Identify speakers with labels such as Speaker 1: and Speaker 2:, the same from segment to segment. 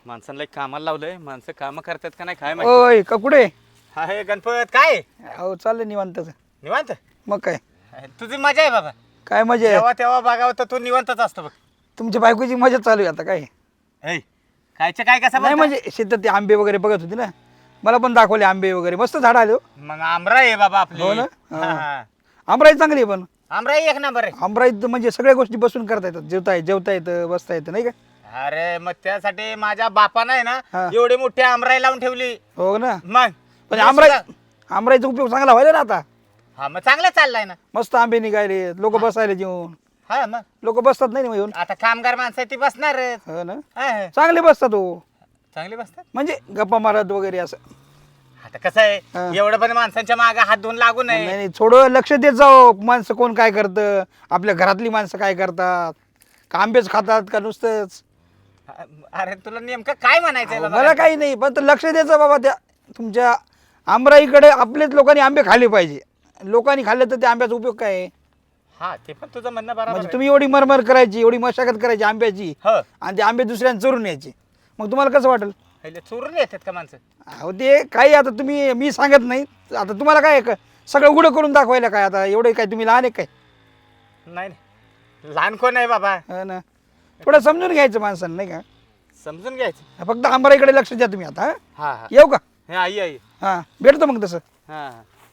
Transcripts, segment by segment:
Speaker 1: माणसांना एक कामाला लावलंय, माणसं कामं करतात का नाही काय माहिती.
Speaker 2: ओय का कुठे
Speaker 1: हा हे गणपत काय
Speaker 2: अहो चाललंय निवांतच.
Speaker 1: निवांत.
Speaker 2: मग काय
Speaker 1: तुझी मजा आहे बाबा.
Speaker 2: काय मजा आहे
Speaker 1: जेव्हा तेव्हा बघावं तर तू निवांतच असतो बघ.
Speaker 2: तुमच्या बायकोची मजा चालू आहे आता काय
Speaker 1: ऐ कायचं काय कसं
Speaker 2: नाही
Speaker 1: बोलता?
Speaker 2: म्हणजे शेतात ते आंबे वगैरे बघत होती ना, मला पण दाखवले आंबे वगैरे मस्त झाड आले हो.
Speaker 1: मग आमरा आहे बाबा आपली.
Speaker 2: हो ना?
Speaker 1: हा,
Speaker 2: हा.
Speaker 1: हा.
Speaker 2: आमराई चांगली आहे पण
Speaker 1: आमरा एक नंबर आहे.
Speaker 2: आमराईत म्हणजे सगळ्या गोष्टी बसून करता येतात, जेवता येतं बसता येतं नाही का.
Speaker 1: अरे मग त्यासाठी माझ्या बापानं आहे ना
Speaker 2: हा.
Speaker 1: एवढी मोठी आमराई लावून ठेवली.
Speaker 2: हो ना.
Speaker 1: मग
Speaker 2: पण
Speaker 1: मी
Speaker 2: आमराई
Speaker 1: सुद्धा-
Speaker 2: आमराईचा उपयोग चांगला व्हायला ना आता.
Speaker 1: हा मग चांगलं चाललंय ना.
Speaker 2: मस्त आंबे निघाले, लोक बसायला जेवून
Speaker 1: हा मग
Speaker 2: लोक बसतात नाही ना येऊन.
Speaker 1: आता कामगार माणसं ती बसणार.
Speaker 2: हो ना, चांगले बसतात हो,
Speaker 1: चांगली बसतात.
Speaker 2: म्हणजे गप्पा मारत वगैरे असं.
Speaker 1: आता कसं
Speaker 2: हा.
Speaker 1: आहे एवढं पण माणसांच्या मागे हात धुवून लागू
Speaker 2: नाही
Speaker 1: नये.
Speaker 2: नाही, थोडं लक्ष देत जाओ, माणसं कोण काय करतं, आपल्या घरातली माणसं काय करतात, का आंबेच खातात का नुसतंच.
Speaker 1: अरे तुला नेमकं काय म्हणायचंय बाबा?
Speaker 2: मला काही नाही, पण लक्ष द्यायचं बाबा त्या तुमच्या आमराईकडे. आपलेच लोकांनी आंबे खाल्ले पाहिजे, लोकांनी खाल्ले तर त्या आंब्याचा उपयोग काय आहे.
Speaker 1: हा ते पण तुझं म्हणणं बरोबर
Speaker 2: म्हणजे
Speaker 1: आहे.
Speaker 2: तुम्ही एवढी मरमर करायची, एवढी मशागत करायची आंब्याची,
Speaker 1: हो
Speaker 2: आणि ते आंबे दुसऱ्यांना चोरून यायचे, मग तुम्हाला कसं वाटेल.
Speaker 1: पहिले चोरून येतात का माणसं?
Speaker 2: अहो ते काही आता तुम्ही, मी सांगत नाही आता तुम्हाला काय सगळं उघडं करून दाखवायला काय आता एवढं काय तुम्ही लहान आहे काय.
Speaker 1: नाही नाही लहान कोण आहे बाबा?
Speaker 2: हो ना, थोडं समजून घ्यायचं माणसानं नाही का.
Speaker 1: समजून घ्यायचं.
Speaker 2: फक्त आंबराईकडे लक्ष द्या तुम्ही आता.
Speaker 1: हा हा
Speaker 2: येऊ का.
Speaker 1: हे आई आई.
Speaker 2: हां भेटतो मग तसं.
Speaker 1: हा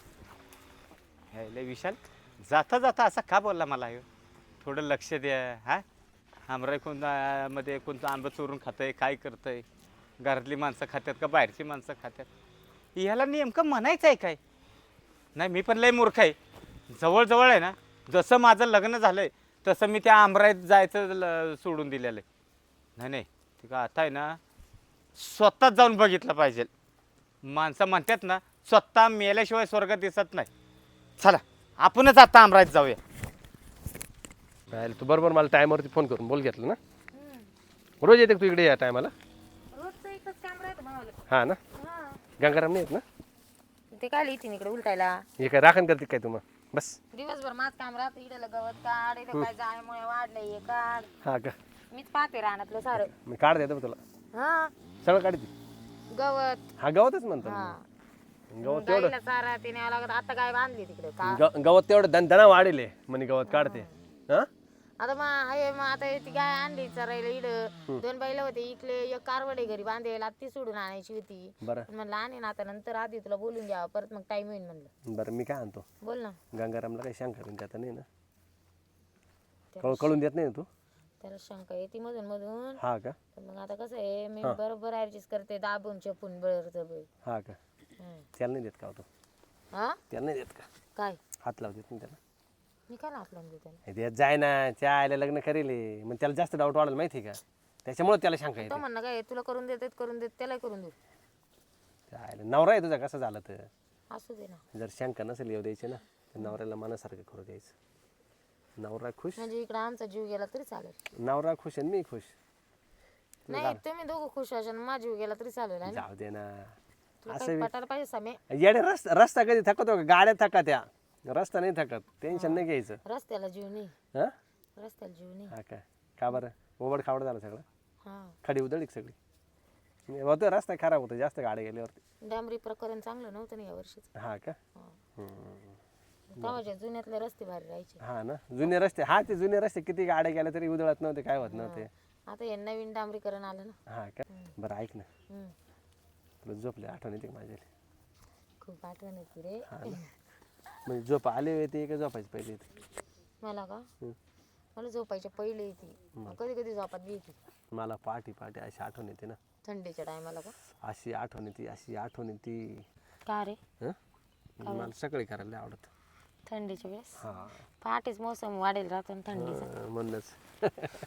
Speaker 1: लय विशाल जाता जाता असा का बोलला मला ह्यो? थोडं लक्ष द्या. हा आमराई मध्ये कोणतं आंबं चोरून खातंय, काय करतंय, घरातली माणसं खात्यात का बाहेरची माणसं खात्यात, ह्याला नेमकं म्हणायचं आहे काय. नाही मी पण लय मूर्ख आहे. जवळजवळ आहे ना, जसं माझं लग्न झालंय तसं मी त्या आमराईत जायचं सोडून दिलेलं आहे. नाही नाही ते का आता आहे ना स्वतःच जाऊन बघितलं पाहिजे. माणसं म्हणतात ना स्वतः मेल्याशिवाय स्वर्ग दिसत नाही. चला आपणच आता आमराईत जाऊया.
Speaker 3: तू बरोबर मला टायमावरती फोन करून बोल घेतलं ना. रोज येते का तू इकडे या टायमाला?
Speaker 4: रोजचं एकच काम राहतं मावाला.
Speaker 3: हा ना, गंगाराम नाही येत ना.
Speaker 4: ते काय लिहिते इकडे उलटायला
Speaker 3: हे काय राखण करते काय तुम्हाला बस.
Speaker 4: दिवसभर माझं काम राहतं. इकडे गवत काढ, इकडे काय जाळ्यामुळे वाढलंय हे काढ.
Speaker 3: हा का,
Speaker 4: मीच पाहते रानातलं सारं.
Speaker 3: मी काढ देतो तुला
Speaker 4: हा
Speaker 3: सगळं काढते.
Speaker 4: गवत.
Speaker 3: हा गवतच म्हणतो
Speaker 4: हा
Speaker 3: मी. गवत तेवढं
Speaker 4: गाईला चारा ते न्यावं लागत. आता गाय बांधली तिकडे का
Speaker 3: गवत तेवढं दणदणा वाढेल म्हणे गवत काढते. हा
Speaker 4: आता मग आता ती गाय आणली चरायला. इड 2 बैल होते इकडे, एक कारवडे घरी बांधायला ती सोडून आणायची होती.
Speaker 3: बरं
Speaker 4: म्हणलं आणि ना आता नंतर आधी तुला बोलून घ्यावं, परत मग टाइम होईल म्हणलं.
Speaker 3: बरं मी काय आणतो
Speaker 4: बोल ना.
Speaker 3: गंगारामला काही शंका बिंका तर नाही ना. कळून देत नाही ना तू.
Speaker 4: त्याला शंका येते मधून मधून.
Speaker 3: हा का,
Speaker 4: पण मग आता कसं आहे, मी बरोबर ऍडजस्ट करते, दाबून चपून बळच बळ.
Speaker 3: हा का, त्याला नाही देत का तू?
Speaker 4: हा
Speaker 3: त्याला नाही देत का?
Speaker 4: काय
Speaker 3: हात लावू देत नाही त्याला.
Speaker 4: मी काय लाटलं त्याला.
Speaker 3: हे देत जाय ना, त्या आयला लग्न करेल मग त्याला जास्त डाऊट वाढेल माहिती आहे का. त्याच्यामुळे त्याला शंका
Speaker 4: तो
Speaker 3: येते.
Speaker 4: म्हणणं काय तुला करून देत त्यालाही करून देऊ.
Speaker 3: त्या आयला नवरा आहे तुझा कसं झालं तर.
Speaker 4: असू दे ना.
Speaker 3: जर शंका नसेल येऊ द्यायची ना तर नवऱ्याला मनासारखं करू द्यायचं. नवरा खुश,
Speaker 4: म्हणजे इकडे आमचा जीव गेला तरी चालेल.
Speaker 3: नवरा खुश आणि मी खुश.
Speaker 4: नाही तुम्ही दोघं खुश असाल, माझा जीव गेला तरी चालेल. आहे ना?
Speaker 3: जाऊ दे ना.
Speaker 4: तुला काही पटायला पाहिजे सामे.
Speaker 3: येडे रस्ता कधी थकतो का? गाड्या थका त्या, रस्ता नाही थकत. टेन्शन नाही घ्यायचं.
Speaker 4: रस्त्याला जीव नाही.
Speaker 3: हा
Speaker 4: रस्त्याला जीव नाही.
Speaker 3: हा काय का बरं ओबड खावड झालं सगळं.
Speaker 4: हा
Speaker 3: खडी उधळली का सगळी? होतं रस्ता खराब होतो जास्त गाड्या गेल्यावरती.
Speaker 4: डांबरी प्रकरण चांगलं नव्हतं ना या वर्षीच.
Speaker 3: हा का,
Speaker 4: तेव्हाच्या जुन्यातले रस्ते भारी राहायचे.
Speaker 3: हा ना जुने रस्ते. हा ते जुने रस्ते किती गाड्या गेल्या तरी उधळत नव्हते, काय होत नव्हते.
Speaker 4: आता हे नवीन डांबरीकरण आलं ना.
Speaker 3: हा का, बरं ऐक ना,
Speaker 4: हम्म.
Speaker 3: तुला झोपले आठवण येते का माझ्या?
Speaker 4: खूप आठवण येते रे.
Speaker 3: म्हणजे झोप आले येते का झोपायची पहिले येते?
Speaker 4: मला का, मला झोपायच्या पहिले येते, कधी कधी झोपात बी येते.
Speaker 3: मला पाठी पाठी अशी आठवण येते ना.
Speaker 4: थंडीच्या टायमाला का.
Speaker 3: अशी आठवण येते, अशी आठवण येते.
Speaker 4: का रे.
Speaker 3: मला सकाळी करायला लय आवडत.
Speaker 4: थंडीच्या वेळेस
Speaker 3: हा
Speaker 4: पहाटेच मोसम वाढेल राहतो ना थंडीचा.
Speaker 3: म्हणूनच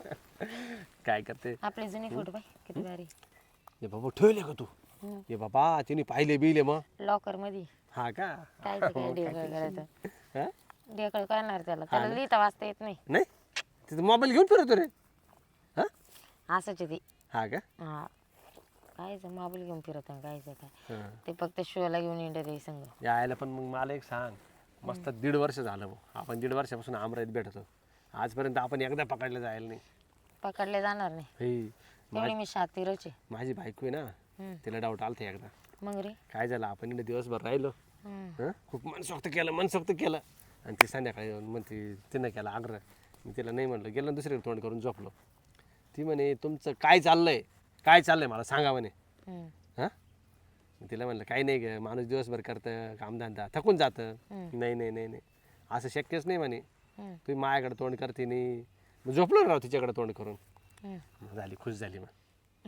Speaker 3: काय करते.
Speaker 4: आपले जुने फोटो पाय किती भारी.
Speaker 3: ये बाबा ठेवले का तू? ये बाबा तिने पाहिले बिले मग.
Speaker 4: लॉकर मध्ये.
Speaker 3: हा का,
Speaker 4: काय ते काय ढेकळ करायचं.
Speaker 3: हा?
Speaker 4: ढेकळ करणार त्याला लिहिता वाचता येत नाही.
Speaker 3: नाही तिथं मोबाईल घेऊन फिरतो रे. हा
Speaker 4: असंच आहे ते.
Speaker 3: हा का,
Speaker 4: हा कायच मोबाईल घेऊन फिरत कायच काय.
Speaker 3: हा.
Speaker 4: ते फक्त शोला घेऊन इंटर आहे संग.
Speaker 3: यायला पण मग मला एक सांग, मस्त 1.5 वर्ष झालं मग आपण 1.5 वर्षापासून आमराईत भेटतो. आजपर्यंत आपण एकदा पकडलं जायला नाही.
Speaker 4: पकडले जाणार नाही.
Speaker 3: हे
Speaker 4: एवढी मी शातीरच आहे.
Speaker 3: माझी बायको आहे ना, तिला डाऊट आलता एकदा.
Speaker 4: मग रे
Speaker 3: काय झालं, आपण इकडे दिवसभर राहिलो, हं? खूप मनसोक्त केलं आणि ती संध्याकाळी येऊन म्हणते तिनं केला आग्रह. मी तिला नाही म्हणलं, गेलं दुसरीकडे तोंड करून झोपलो. ती म्हणे तुमचं काय चाललंय मला सांगा म्हणे. हां, तिला म्हणलं काही नाही ग, माणूस दिवसभर करतं कामधंदा, थकून जातं. नाही असं शक्यच नाही म्हणे, तुम्ही माझ्याकडे तोंड करते नाही. मग झोपलो राव तिच्याकडे तोंड करून. झाली, खुश झाली. मग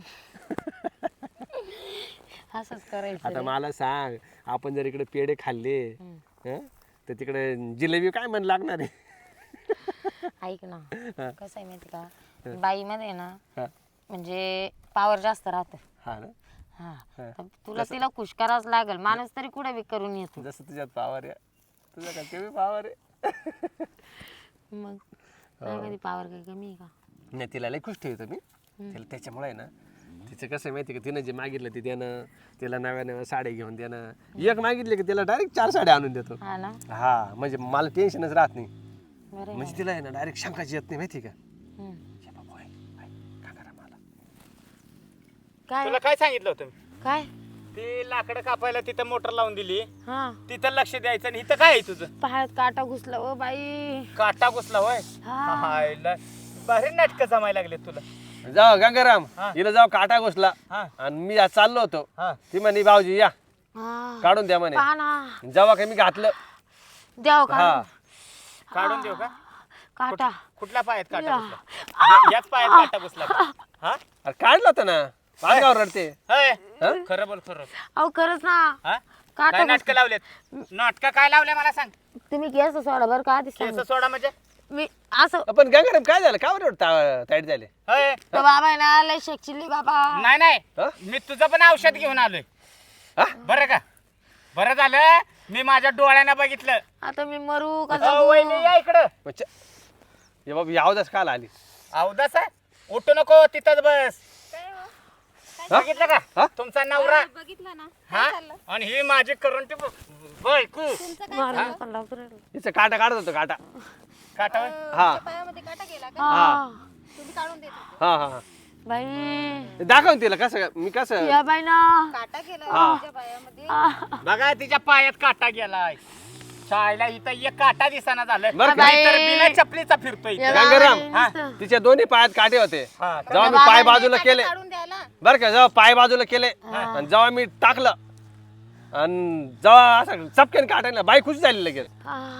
Speaker 4: असंच करायचं.
Speaker 3: आता मला सांग, आपण जर इकडे पेढे खाल्ले हं, तर तिकडे जिलेबी काय म्हण लागणार आहे.
Speaker 4: ऐक ना, कसं आहे माहिती का, बाईमध्ये ना
Speaker 3: हा.
Speaker 4: म्हणजे पावर जास्त राहतं.
Speaker 3: हा ना,
Speaker 4: हा, तर तुला तिला खुश करावंच लागेल. माणूस तरी कुठे बी करून येतो.
Speaker 3: जसं तुझ्यात पावर आहे, तुझ्या का कमी पावर आहे.
Speaker 4: मग कधी पावर काही कमी आहे का?
Speaker 3: नाही, तिला लय खुश ठेवतो मी. तिला त्याच्यामुळे आहे ना, तिचं कसं आहे माहिती का, तिनं जे मागितलं ते देणं, तिला नव्या साड्या घेऊन देणं. एक मागितले की तिला डायरेक्ट 4 साड्या आणून देतो.
Speaker 4: हा ना,
Speaker 3: हा, म्हणजे मला टेन्शनच राहत नाही.
Speaker 4: बरं आहे.
Speaker 3: म्हणजे तिला आहे ना डायरेक्ट शंकाच येत नाही माहिती का.
Speaker 4: हम्म.
Speaker 3: हे बाबा, काय करा मला.
Speaker 4: काय
Speaker 1: तुला काय सांगितलं होतं मी?
Speaker 4: काय
Speaker 1: ती लाकडं कापायला तिथं मोटर लावून दिली,
Speaker 4: हा,
Speaker 1: तिथं लक्ष द्यायचं. आणि इथं काय आहे तुझं?
Speaker 4: पायात काटा घुसला ओ बाई.
Speaker 1: काटा घुसला होय.
Speaker 4: हा.
Speaker 1: हायला, भारी नाटकं जमायला लागले तुला.
Speaker 3: जाऊ गंगाराम,
Speaker 1: हा.
Speaker 3: हिला जाऊ काटा घुसला
Speaker 1: हा.
Speaker 3: आणि मी आज चाललो होतो.
Speaker 1: हा.
Speaker 3: ती म्हणे भाऊजी या
Speaker 4: हा,
Speaker 3: काढून द्या म्हणे.
Speaker 4: पहा ना,
Speaker 3: जेव्हा काही मी घातलं,
Speaker 4: द्याव का
Speaker 3: हा,
Speaker 1: काढून देऊ का?
Speaker 4: काटा.
Speaker 1: कुठल्या पायात काटा घुसला? याच पायात काटा घुसला का? हा?
Speaker 3: अरे काढलं होतं ना, पाचगाव रडते.
Speaker 1: होय.
Speaker 3: हा?
Speaker 1: खरं बोल, खरं.
Speaker 4: अहो खरंच ना,
Speaker 1: हा?
Speaker 4: काटा
Speaker 1: काय नाटकं लावलेत? नाटकं काय लावले मला सांग.
Speaker 4: तुम्ही केस सोडा बरं का आधी
Speaker 1: केस
Speaker 4: सांग.
Speaker 1: सोडा म्हणजे?
Speaker 4: मी असं
Speaker 3: पण गंगाराम काय झालं, का बरं ताईट झाले.
Speaker 1: होय.
Speaker 4: तो बाबा आहे ना लय शेकचिल्ली बाबा.
Speaker 1: नाही
Speaker 3: हा?
Speaker 1: मी तुझं पण औषध घेऊन आलोय.
Speaker 3: हा?
Speaker 1: बरं का? बरं झालं मी माझ्या डोळ्यानं बघितलं.
Speaker 4: आता मी मरू का
Speaker 1: वहिनी
Speaker 4: जगू?
Speaker 1: या इकडं.
Speaker 3: ये बाबा यावदाच काल आली.
Speaker 1: अवदास आहे? उठू नको, तिथंच बस.
Speaker 3: हा?
Speaker 1: बघितलं का?
Speaker 3: हा?
Speaker 1: तुमचा नवरा.
Speaker 5: बघितलं ना
Speaker 1: हा? आणि ही माझी करंटी बायको.
Speaker 4: मारायला पण लागतो रे.
Speaker 3: हिचं काटा काढत होतो, काटा.
Speaker 1: काटा होय?
Speaker 3: हा
Speaker 5: पायामध्ये काटा गेला का
Speaker 4: हा.
Speaker 5: तुम्ही काढून देत होते
Speaker 3: हा हा
Speaker 4: बाई
Speaker 3: दाखव ना तिला कसं मी कसं.
Speaker 4: या बाई ना.
Speaker 5: काटा गेला
Speaker 3: हा.
Speaker 5: तुमच्या पायामध्ये
Speaker 1: बघा तिच्या पायात काटा गेलाय. शाळेला इथं एक काटा दिसाना झालं.
Speaker 3: बरं का?
Speaker 1: मी तर बिना चपलीचा फिरतोय
Speaker 4: या
Speaker 1: इथं.
Speaker 3: गंगाराम,
Speaker 4: बाई
Speaker 1: हा.
Speaker 4: नुसतं.
Speaker 3: तिच्या दोन्ही पायात काटे होते.
Speaker 1: हा.
Speaker 3: जेव्हा मी पाय बाजूला केले,
Speaker 5: काढून द्यायला
Speaker 3: बरं का, जेव्हा पाय बाजूला केले आणि जेव्हा मी टाकलं आणि जेव्हा असं चपक्याने काटायला बाई खुश झाली लगेच.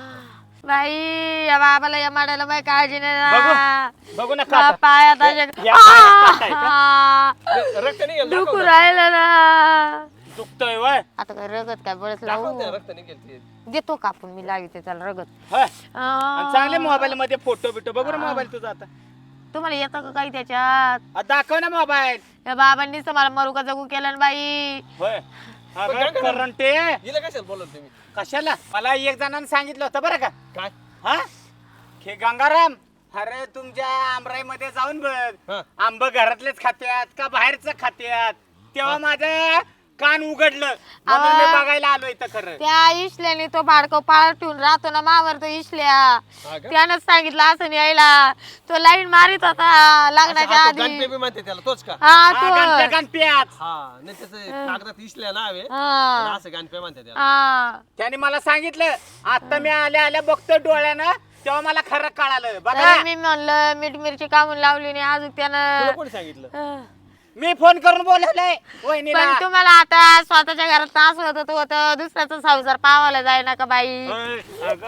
Speaker 4: बाई या बाबाला या माडाला बाई काळजी नाही ना.
Speaker 1: बघू ना
Speaker 4: बा-
Speaker 1: काटा.
Speaker 4: पायात
Speaker 1: या पायात काटा आहे का?
Speaker 3: रक्त निघेल, दाखव
Speaker 4: दुखू
Speaker 3: ना.
Speaker 4: राहिलं ना.
Speaker 1: दुखतोय वय.
Speaker 4: आता काय रगत काय बरंच
Speaker 3: दाखव
Speaker 4: लावू
Speaker 3: ना, रक्त निघेल ते.
Speaker 4: देतो कापून मी लाविते त्याला रगत.
Speaker 1: होय. आणि चांगले मोबाईल मध्ये फोटो बिटो बघू ना मोबाईल तुझा आता.
Speaker 4: तुम्हाला येतं का काही त्याच्यात?
Speaker 1: दाखव ना मोबाईल.
Speaker 4: या बाबांनीच तर मला मरू का जगू केलं ना बाई.
Speaker 1: होय.
Speaker 3: पण काय करणार?
Speaker 1: करंटे
Speaker 3: हिला कशाला बोलत तुम्ही.
Speaker 1: कशाला? मला एक जणांनी सांगितलं होतं बरं का.
Speaker 3: काय
Speaker 1: हा? हे गंगाराम, अरे तुमच्या आमराईमध्ये जाऊन बघ.
Speaker 3: हा.
Speaker 1: आंब घरातलेच खात्यात का बाहेरच खात्यात? तेव्हा माझं कान उघडलं म्हणून मी बघायला आलो इथं. खरं
Speaker 4: त्या इशल्याने तो बाडको पाळ ठेवून राहतो ना मावर तो इशल्या.
Speaker 3: हा का?
Speaker 4: त्यानंच सांगितलं असं यायला. तो लाईन मारित होता लग्नाच्या
Speaker 3: असं
Speaker 4: आधी.
Speaker 3: गणपती म्हणते त्याला, तोच का.
Speaker 4: हा तो
Speaker 1: गणप्या गणप्यात.
Speaker 3: हा नाही, त्याचं कागदात इसल्या नाव आहे.
Speaker 4: हा.
Speaker 3: आणि असं गणपती म्हणते त्याला.
Speaker 4: हा.
Speaker 1: त्याने मला सांगितलं. आता मी आल्या आल्या बघतोय डोळ्यानं, तेव्हा मला खरं कळालं. बघा
Speaker 4: तरी मी म्हणलं मीठ मिरची कामून लावली नाही अजून
Speaker 3: तुला
Speaker 4: त्यानं.
Speaker 3: कोणी सांगितलं.
Speaker 4: हा.
Speaker 1: मी फोन करून बोलवलंय वहिनीला.
Speaker 4: पण तुम्हाला आता स्वतःच्या घरात त्रास होत होतं दुसऱ्याचा संसार पावायला जाय ना का बाई.
Speaker 1: अय,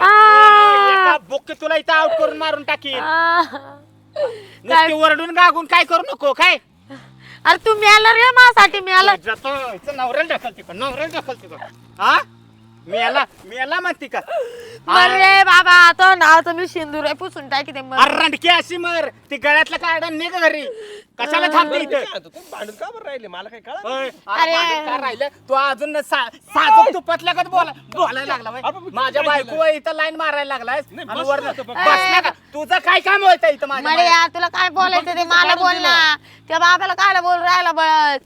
Speaker 1: अगं, एका बुक्की तुला इथं आउट करून मारून टाकीन.
Speaker 4: आ.
Speaker 1: नुसती वरडून गागून काय करू नको. काय
Speaker 4: अरे तू मेला रे माझ्यासाठी मेला.
Speaker 1: जातो इथं नवऱ्याला ढकलते का? नवऱ्याला ढकलते का? हा? मेला म्हणते का?
Speaker 4: अरे बाबा तो नाव तर मी सिंदूर आहे पुसून टाकी ते
Speaker 1: अरे रंडकी अशी मर. ती गळ्यातलं काढा निघ घरी. कशाला थांबते
Speaker 3: बरं, मी
Speaker 1: इथं?
Speaker 3: काय म्हणतो, तुम्ही भांडून का बरं राहिले मला काही कळलं.
Speaker 1: अय,
Speaker 4: अरे.
Speaker 1: अरे काय राहिलं तू अजून साजूक तुपातल्या का बोलायला लागला बाई.
Speaker 3: अरे, पण
Speaker 1: माझ्या
Speaker 3: काय
Speaker 1: बायको इथं लाईन मारायला लागलाय.
Speaker 3: नाही,
Speaker 1: आणि
Speaker 3: बसलो
Speaker 1: वरनं
Speaker 3: होतो फक्त.
Speaker 1: बसला का? तुझं काय काम होतं इथं माझ्या
Speaker 4: मरे
Speaker 1: बाहेर?
Speaker 4: यार तुला काय बोलायचं ते मला
Speaker 3: काढून
Speaker 4: बोल ना. त्या बाबाला काय बोल राहिला बळ.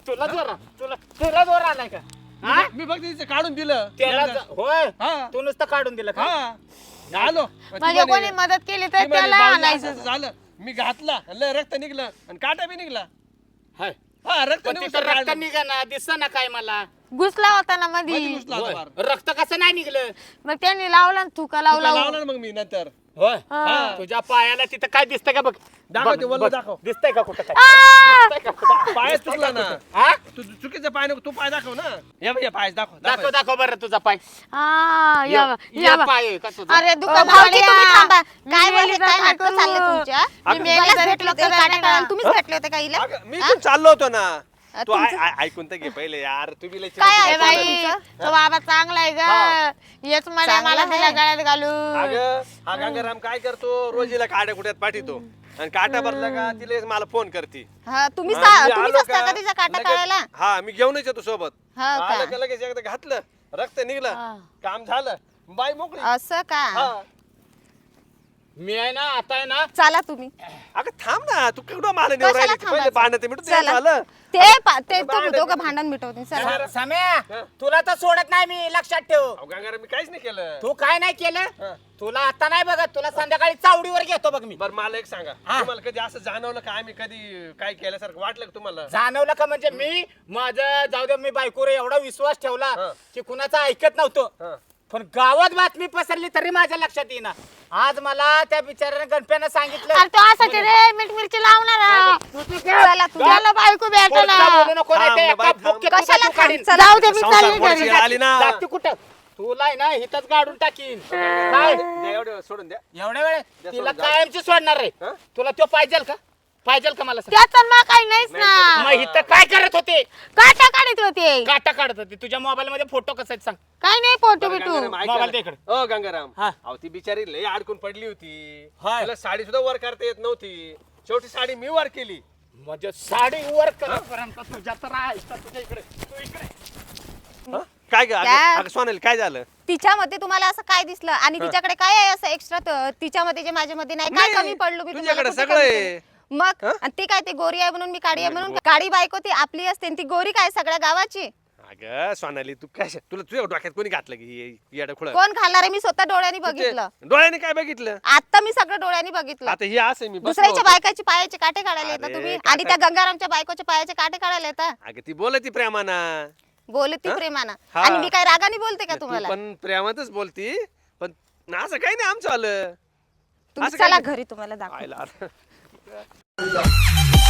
Speaker 1: तुला जोर आलाय का? हा?
Speaker 3: मी फक्त तिचं काढून दिलं.
Speaker 1: त्याला होय
Speaker 3: हा.
Speaker 1: तू नुसतं काढून दिलं का?
Speaker 3: हा आलो. ती
Speaker 4: म्हणजे
Speaker 3: म्हणे-
Speaker 4: कोणी मदत केली तर
Speaker 3: ती म्हणे,
Speaker 4: त्याला
Speaker 3: "भाऊजी,
Speaker 4: आणायचं.
Speaker 3: असं झालं. मी घातला लय रक्त निघलं आणि काटा बी निघला.
Speaker 1: हाय
Speaker 3: हा रक्त
Speaker 1: पण तिथं रक्त निघाना दिसत ना काय मला
Speaker 4: घुसला होता ना मधी
Speaker 1: होय. रक्त कसं नाही निघलं
Speaker 4: मग त्यांनी लावला ना थुका लावला
Speaker 3: लावला ना मग मी नंतर
Speaker 1: होय
Speaker 4: हा.
Speaker 1: तुझ्या पायाला तिथं काय दिसतंय का बघ
Speaker 3: दाखव
Speaker 1: बघ,
Speaker 3: ते वल्ल
Speaker 1: बघ.
Speaker 3: दाखव.
Speaker 1: दिसतंय का कुठं काय
Speaker 4: आ!
Speaker 1: दिसतंय का कुठं?
Speaker 3: पाय चुकला ना
Speaker 1: हा?
Speaker 3: तू चुकीचा पाय नको तू पाय दाखव ना या बाई, या पाय दाखव
Speaker 1: दाखव दाखव बरं तुझा पाय
Speaker 4: आ, या बा,
Speaker 1: ये
Speaker 4: या बा.
Speaker 1: पाय आहे का तुझा?
Speaker 4: अरे दुकान
Speaker 5: भाऊजी तुम्ही थांबा काय
Speaker 4: मी
Speaker 5: बोलले
Speaker 4: मेली
Speaker 5: काय
Speaker 4: तर
Speaker 5: नाटकं
Speaker 4: काय
Speaker 5: चालले
Speaker 4: करू?
Speaker 5: तुमच्या
Speaker 4: मी मेली
Speaker 5: मलाच
Speaker 4: तरी
Speaker 5: भेटले होते
Speaker 4: तुला
Speaker 5: काटा
Speaker 4: नाही
Speaker 5: काढायला
Speaker 4: ना.
Speaker 5: तुम्हीच भेटले होते का हिला
Speaker 3: अगं, मी पण चाललो होतो ना तू
Speaker 5: तुमचं-
Speaker 3: ऐकून तर घे पहिले यार तुम्ही लय
Speaker 5: काय
Speaker 3: चिडचिड
Speaker 4: ए
Speaker 5: ऐकलं
Speaker 3: करता.
Speaker 4: बाई
Speaker 5: तुमचं?
Speaker 4: तो बाबा चांगला आहे ग येच म्हणे
Speaker 5: चांगला
Speaker 4: मला
Speaker 5: आहे.
Speaker 4: तिला गळ्यात घालू
Speaker 3: अगं हा गंगाराम काय करतो रोजीला काड्या कुट्यात पाठवतो आणि काटा भरला का तिला मला फोन करते
Speaker 5: हा तुम्ही
Speaker 3: हा, मी
Speaker 5: तुम्हीच
Speaker 3: आलो
Speaker 5: असता
Speaker 3: का,
Speaker 5: का तिचा काटा
Speaker 3: लगेच-
Speaker 5: काढायला
Speaker 3: हा मी घेऊनच येतो सोबत
Speaker 5: हा का?
Speaker 3: आलं का लगेच एकदा घातलं रक्त निघलं काम झालं बाई मोकळी
Speaker 5: असं का
Speaker 3: हा
Speaker 1: मी आहे ना आता आहे ना
Speaker 5: चला तुम्ही
Speaker 3: अगं थांब ना तू केवढं मला नेऊ
Speaker 5: कशाला
Speaker 3: राहिली पहिले
Speaker 5: थांबायचं?
Speaker 3: भांडण ते मिटून
Speaker 5: चला.
Speaker 3: झालं
Speaker 5: ते तुम्ही दोघं भांडण मिटवतील चला
Speaker 1: सम्या तुला तर सोडत नाही मी लक्षात ठेव
Speaker 3: अहो, गंगाराम मी काहीच नाही केलं
Speaker 1: तू काय नाही केलं
Speaker 3: हा.
Speaker 1: तुला आता नाही बघत तुला संध्याकाळी चावडीवर घेतो बघ मी
Speaker 3: बरं मला एक सांगा
Speaker 1: हा.
Speaker 3: तुम्हाला कधी असं जाणवलं का आम्ही कधी काय केल्यासारखं वाटलं का तुम्हाला
Speaker 1: जाणवलं का म्हणजे मी माझं जाऊ दे मी बायकोवर एवढा विश्वास ठेवला
Speaker 3: हा.
Speaker 1: की कुणाचा ऐकत नव्हतो
Speaker 3: हा.
Speaker 1: पण गावात बातमी पसरली तरी माझ्या लक्षात येईना आज मला त्या बिचाऱ्याने गणप्यानं सांगितलं
Speaker 4: अरे तो असाच रे मीठ मिरची लावणार
Speaker 5: चला तुम्ही
Speaker 4: त्याला बायको भेटा
Speaker 1: कोणाला
Speaker 4: ना
Speaker 1: बोलू नको नाही
Speaker 3: थांब
Speaker 1: ते
Speaker 3: ना
Speaker 1: एका
Speaker 3: बाई, थांब.
Speaker 1: बुक्केत तुझा
Speaker 5: कशाला
Speaker 1: तू काढीन.
Speaker 5: थांब?
Speaker 4: जाऊ दे मी
Speaker 3: संसार
Speaker 4: चालली
Speaker 3: पोरची
Speaker 4: घरी
Speaker 3: आली ना
Speaker 1: जाती कुठं तुला आहे ना हिथंच काढून टाकीन काय
Speaker 3: द्या एवढं सोडून द्या
Speaker 1: एवढ्या वेळ
Speaker 3: द्या
Speaker 1: तिला
Speaker 3: सोडून,
Speaker 1: कायमची सोडणार रे
Speaker 3: हा?
Speaker 1: तुला तो पाहिजेल का पाहिजेल का मला सांग?
Speaker 4: त्याचा मग काही नाहीच ना
Speaker 1: मग इथं काय करत होते
Speaker 4: काटा काढत होते
Speaker 1: काटा काढत होते तुझ्या मोबाईल मध्ये फोटो कसा आहेत सांग
Speaker 4: काही नाही फोटो
Speaker 3: बरं,
Speaker 4: बिटू
Speaker 3: गंगाराम, ऐका
Speaker 1: मोबाईल
Speaker 3: ना.
Speaker 1: दे इकडे.
Speaker 3: ओ गंगाराम
Speaker 1: हा.
Speaker 3: अहो ती बिचारी लय अडकून पडली होती
Speaker 1: हाय.
Speaker 3: तिला साडी सुद्धा वर करता येत नव्हती शेवटी साडी मी वर केली
Speaker 1: म्हणजे साडी वर करपर्यंत तुझ्या तर आहेस का तुझ्या इकडे तू इकडे
Speaker 3: हं? काय ग
Speaker 5: त्या-
Speaker 3: अगं सोनाली काय झालं
Speaker 5: तिच्यामध्ये तुम्हाला असं काय दिसलं आणि तिच्याकडे काय आहे असं एक्स्ट्रा तिच्यामध्ये जे माझ्यामध्ये नाही काय
Speaker 3: नाही,
Speaker 5: कमी पडलो मी तुम्हाला
Speaker 3: तुझ्याकडे
Speaker 5: कुठे
Speaker 3: सगळं
Speaker 5: कमी
Speaker 3: आहे.
Speaker 5: पडलो? मग आणि ती काय ती गोरी आहे म्हणून मी काळी आहे म्हणून काळी बायको ती आपली असते आणि ती गोरी काय सगळ्या गावाची
Speaker 3: अगं सोनाली तू काय तुला तुझ्या डोक्यात कोणी घातलं की येडं खुळ
Speaker 5: कोण घालणार आहे मी स्वतः डोळ्यांनी बघितलं
Speaker 3: डोळ्याने काय बघितलं
Speaker 5: आता मी सगळं डोळ्यांनी बघितलं
Speaker 3: आता हे असं मी बसलो
Speaker 5: दुसऱ्याच्या
Speaker 3: होतो.
Speaker 5: बायकाची पायाचे काटे काढायला येतात
Speaker 3: अरे,
Speaker 5: तुम्ही
Speaker 3: काटा-
Speaker 5: आणि त्या गंगारामच्या बायकोच्या पायाचे काटे काढायला येतात
Speaker 3: अगं ती बोलती प्रेमाना
Speaker 5: बोलती प्रेमानं
Speaker 3: हा.
Speaker 5: आणि मी काय रागाने बोलते का
Speaker 3: तू
Speaker 5: तुम्हाला
Speaker 3: पण प्रेमातच बोलती पण असं काही नाही आमचं आलं
Speaker 5: तुम्ही
Speaker 3: असं काय
Speaker 5: चला
Speaker 3: नाही.
Speaker 5: घरी तुम्हाला दाखव
Speaker 3: आयला.